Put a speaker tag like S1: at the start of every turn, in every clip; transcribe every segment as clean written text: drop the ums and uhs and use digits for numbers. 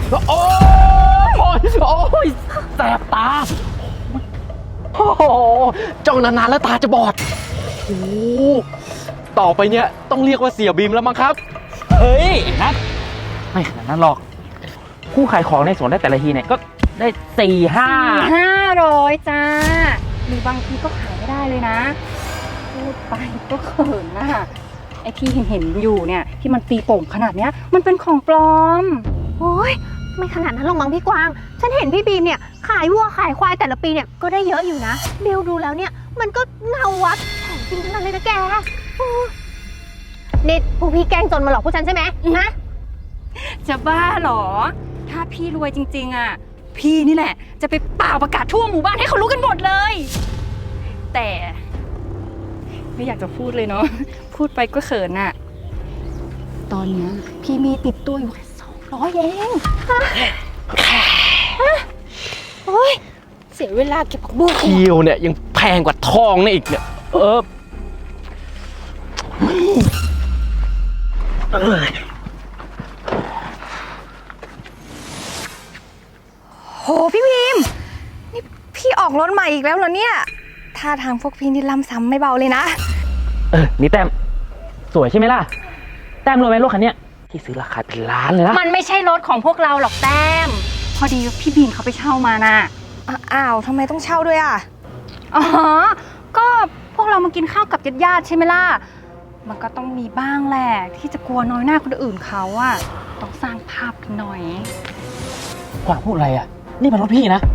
S1: โอ้ยโอ้ยแสบตาโอ้โหจ้องนานๆแล้วตาจะบอดโอ้ต่อไปเนี่ยต้องเรียกว่าเสี่ยบีมแล้วมั้งครับเฮ้ยนัทไม่ขนาดนั้นหรอกผู้ขายของในสวนได้แต่ละทีเนี่ยก็ได้
S2: 500จ้าหรือบางทีก็ขายไม่ได้เลยนะพูดไปก็เขินนะไอที่เห็นอยู่เนี่ยที่มันตีโป่งขนาดเนี้ยมันเป็นของปลอม
S3: โอ้ยไม่ขนาดนั้นหรอกมั้งพี่กวางฉันเห็นพี่บีมเนี่ยขายวัวขายควายแต่ละปีเนี่ยก็ได้เยอะอยู่นะบิวดูแล้วเนี่ยมันก็เงาวัดของจริงทั้งนั้นเลยนะแกนี่พวกพี่แกล้งจนมาหลอกพวกฉันใช่ไหมฮะ
S2: จะบ้าเหรอถ้าพี่รวยจริงๆอ่ะพี่นี่แหละจะไปเป่าประกาศทั่วหมู่บ้านให้เขารู้กันหมดเลยแต่ไม่อยากจะพูดเลยเนาะพูดไปก็เขินอ่ะตอนนี้พี่มีติดตัวอยู่แค่200เอง
S3: โอ้ยเสียเวลาเก็บผักบุ้ง
S1: เคียวเนี่ยยังแพงกว่าทองเนี่ยอีกเนี่ย
S4: โหพี่พิมพ์นี่พี่ออกรถใหม่อีกแล้วเหรอเนี่ยท่าทางพวกพี่นี่ล้ำซ้ำไม่เบาเลยนะ
S1: นี่แต้มสวยใช่ไหมล่ะแต้มรู้ไหมรถคันเนี้ยที่ซื้อราคาเป็นล้านเลยนะ
S2: มันไม่ใช่รถของพวกเราหรอกแต้มพอดีพี่บีมเขาไปเช่ามานะ
S4: อ้าวทำไมต้องเช่าด้วยอ่ะ
S2: อ๋อก็พวกเรามากินข้าวกับญาติๆใช่ไหมล่ะมันก็ต้องมีบ้างแหละที่จะกลัวน้อยหน้าคนอื่นเขาอะต้องสร้างภาพกันหน่อย
S1: กวางพูดอะไรอ่ะนี่มันรถพี่นะ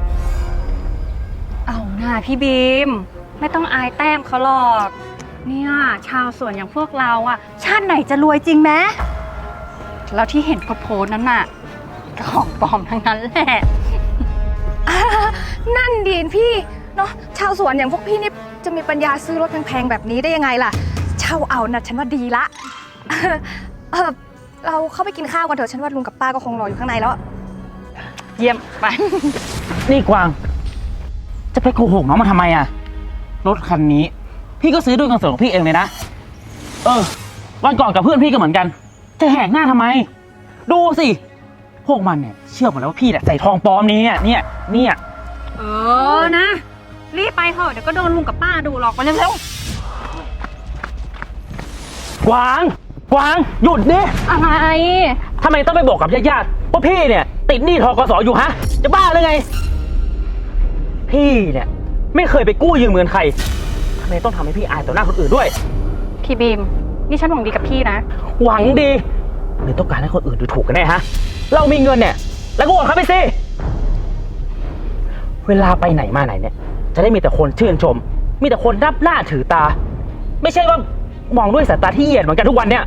S2: เอาหน้าพี่บีมไม่ต้องอายแต้มเขาหรอกเนี่ยชาวสวนอย่างพวกเราอะชาติไหนจะรวยจริงไหมแล้วที่เห็นโพสนั้นน่ะของปลอมทั้งนั้นแหละ
S4: นั่นดีนพี่เนาะชาวสวนอย่างพวกพี่นี่จะมีปัญญาซื้อรถแพงๆแบบนี้ได้ยังไงล่ะเช่าเอานะฉันว่าดีละเราเข้าไปกินข้าวกันเถอะฉันว่าลุงกับป้าก็คงรออยู่ข้างในแล้ว
S2: เยี่ยมไป
S1: นี่กวางจะไปโกหกน้องมาทำไมอ่ะรถคันนี้พี่ก็ซื้อด้วยเงินส่วนของพี่เองเลยนะวันก่อนกับเพื่อนพี่ก็เหมือนกันจะแหกหน้าทำไมดูสิพวกมันเนี่ยเชื่อหมดแล้วว่าพี่เนี่ยใส่ทองปลอมนี้เนี่ย
S2: นะรีบไปเถอะเดี๋ยวก็โดนลุงกับป้าดูหรอกไปเร็ว
S1: กวางหยุดดิ
S2: อะไร
S1: ทำไมต้องไปบอกกับญาติๆว่าพี่เนี่ยติดหนี้ธกส.อยู่ฮะจะบ้าหรือไงพี่เนี่ยไม่เคยไปกู้ยืมเงินใครทำไมต้องทำให้พี่อายต่อหน้าคนอื่นด้วย
S2: พี่บีมนี่ฉันหวังดีกับพี่นะ
S1: หวังดีหรือต้องการให้คนอื่นดูถูกกันแน่ฮะเรามีเงินเนี่ยแล้วก็โอนเขาไปสิเวลาไปไหนมาไหนเนี่ยจะได้มีแต่คนชื่นชมมีแต่คนนับหน้าถือตาไม่ใช่ว่ามองด้วยสายตาที่เหยียดเหมือนกันทุกวันเนี่ย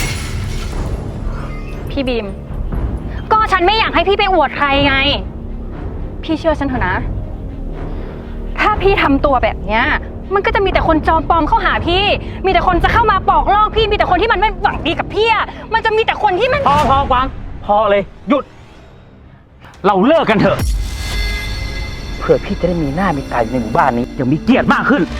S2: พี่บีมก็ฉันไม่อยากให้พี่ไปอวดใครไงพี่เชื่อฉันเถอะนะถ้าพี่ทำตัวแบบเนี้ยมันก็จะมีแต่คนจอมปลอมเข้าหาพี่มีแต่คนจะเข้ามาปอกลอกพี่มีแต่คนที่มันไม่หวังดีกับพี่มันจะมีแต่คนที่มัน
S1: พอกวางพอเลยหยุดเราเลิกกันเถอะเพื่อพี่จะได้มีหน้ามีตาอยู่ในหมู่บ้านนี้อย่างมีเกียรติมากขึ้น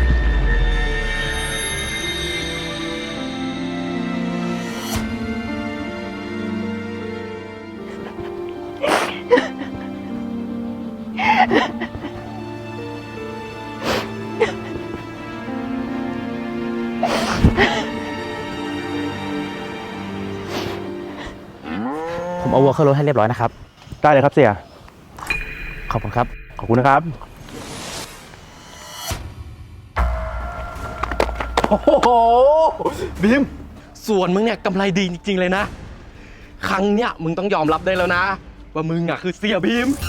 S1: ผมเอาวัวเข้ารถให้เรียบร้อยนะครับ
S5: ได้เลยครับเสี่ย
S1: ขอบคุณครับ
S5: ขอบคุณนะครับโอ้โหบีม
S1: ส่วนมึงเนี่ยกำไรดีจริงๆเลยนะครั้งเนี้ยมึงต้องยอมรับได้แล้วนะว่ามึงอ่ะคือเสี่ยบีม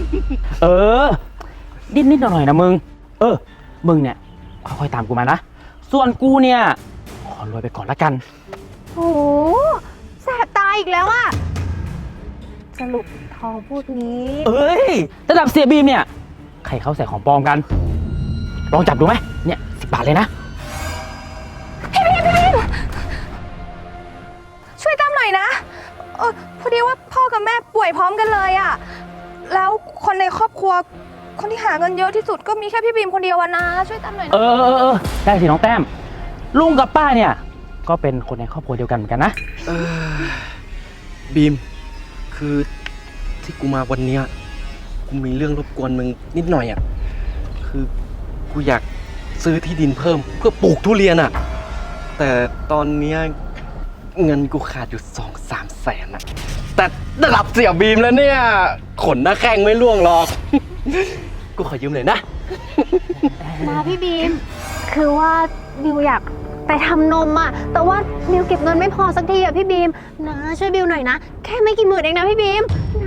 S1: นิดหน่อยนะมึงมึงเนี่ยค่อยๆตามกูมานะส่วนกูเนี่ยขอรวยไปก่อนละกัน
S3: โอ้แสบตาอีกแล้วอะสรุปทองพูดนี้
S1: ระดับเสี่ยบีมเนี่ยใครเขาใส่ของปลอมกันลองจับดูไหมเนี่ย10 บาทเลยนะ
S4: พี่บีมช่วยตามหน่อยนะพอดีว่าพ่อกับแม่ป่วยพร้อมกันเลยอะแล้วคนในครอบครัวคนที่หาเงินเยอะที่สุดก็มีแค่พี่บีมคนเดียวนะช่วยตามหน่อยนะ
S1: ได้สิน้องแต้มลุงกับป้าเนี่ยก็เป็นคนในครอบครัวเดียวกันเหมือนกันนะ
S5: บีมคือ
S1: ที่กูมาวันเนี้ยกูมีเรื่องรบกวนมึงนิดหน่อยอ่ะ คือกูอยากซื้อที่ดินเพิ่มเพื่อปลูกทุเรียนอ่ะ แต่ตอนเนี้ยเงินกูขาดอยู่2-3 แสนอ่ะ แต่ระดับเสี่ยบีมแล้วเนี่ย ขนหน้าแข้งไม่ร่วงหรอก กูขอยืมหน่อยนะ
S3: นะพี่บีม คือว่าบิวอยากไปทำนมอะแต่ว่าบิวเก็บเงินไม่พอสักทีอะพี่บีมนะช่วยบิวหน่อยนะ แค่ไม่กี่หมื่นเองนะพี่บีมนะ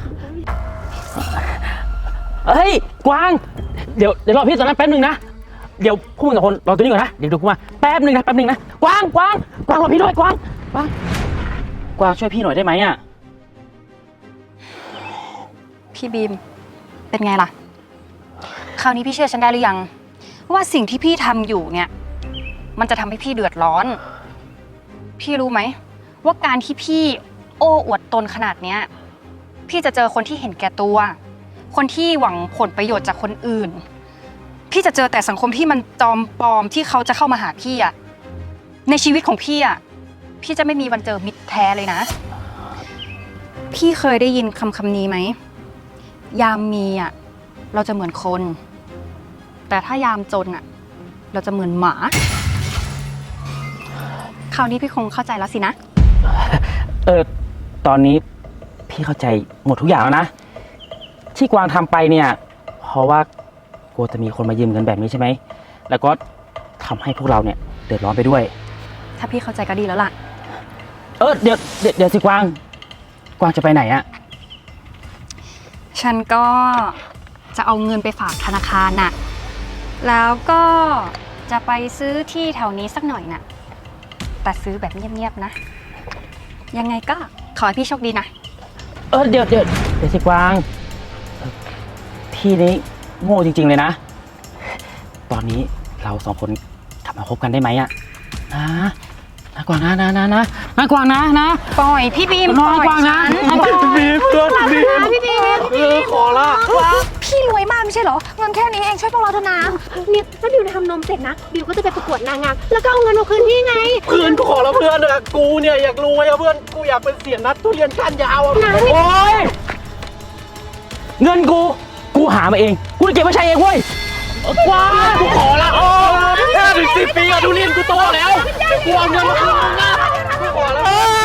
S6: เฮ้ย กวาง เดี๋ยวรอพี่ตอนนั้นแป๊บนึงนะ เดี๋ยวพวกมึงสองคนรอตัวนี้ก่อนนะ เดี๋ยวดูกูมาแป๊บนึงนะ กวางรอพี่ด้วยกวางช่วยพี่หน่อยได้ไหมอ่ะ
S2: พี่บีม เป็นไงล่ะ คราวนี้พี่เชื่อฉันได้หรือยัง ว่าสิ่งที่พี่ทำอยู่เนี่ย มันจะทำให้พี่เดือดร้อน พี่รู้ไหมว่าการที่พี่โอ้อวดตนขนาดเนี้ย พี่จะเจอคนที่เห็นแก่ตัว คนที่หวังผลประโยชน์จากคนอื่น พี่จะเจอแต่สังคมที่มันจอมปลอมที่เขาจะเข้ามาหาพี่อะในชีวิตของพี่อะพี่จะไม่มีวันเจอมิตรแท้เลยนะ พี่เคยได้ยินคำนี้ไหม ยามมีอะเราจะเหมือนคน แต่ถ้ายามจนอะเราจะเหมือนหมา คราวนี้พี่คงเข้าใจแล้วสินะ
S6: ตอนนี้พี่เข้าใจหมดทุกอย่างแล้วนะ ที่กวางทำไปเนี่ย เพราะว่ากลัวจะมีคนมายืมเงินแบบนี้ใช่ไหม แล้วก็ทำให้พวกเราเนี่ยเดือดร้อนไปด้วย
S2: ถ้าพี่เข้าใจก็ดีแล้วล่ะ
S6: เดี๋ยวสิกวางจะไปไหนอะ
S2: ฉันก็จะเอาเงินไปฝากธนาคารน่ะ แล้วก็จะไปซื้อที่แถวนี้สักหน่อยน่ะ แต่ซื้อแบบเงียบๆนะ ยังไงก็ขอให้พี่โชคดีนะ
S6: เดี๋ยวสิกวางพี่นี่โง่จริงๆเลยนะ ตอนนี้เราสองคนกลับมาคบกันได้ไหมอะนะกวางนะกวางนะ
S2: ปล่อยพี่บีม
S6: น้อยกวางนะ
S1: บีมเพื่อนบีม
S3: พี่บีม
S1: ขอละ
S4: พี่รวยมากไม่ใช่เหรอ เงินแค่นี้เองช่วยพวกเราเถอะนะ
S3: เนี่ยถ้าบิวทำนมเสร็จนะ บิวก็จะไปประกวดนางงาม แล้วก็เอาเงินมาคืนพี่ไง
S1: เพื่อนกูขอละเพื่อนอะกูเนี่ยอยากรวยอะเพื่อน กูอยากเป็นเสียนัดทุเรียนก้านยาวอะ
S6: โอ๊ยเงินกูหามาเอง กูจะเก็บไว้ใช้เองเว้ยกวาง
S1: กูขอละ5-10 ปีอะทุเรียนกูโตแล้วกูเอาเงินมาคืนมึงนะกูขอละ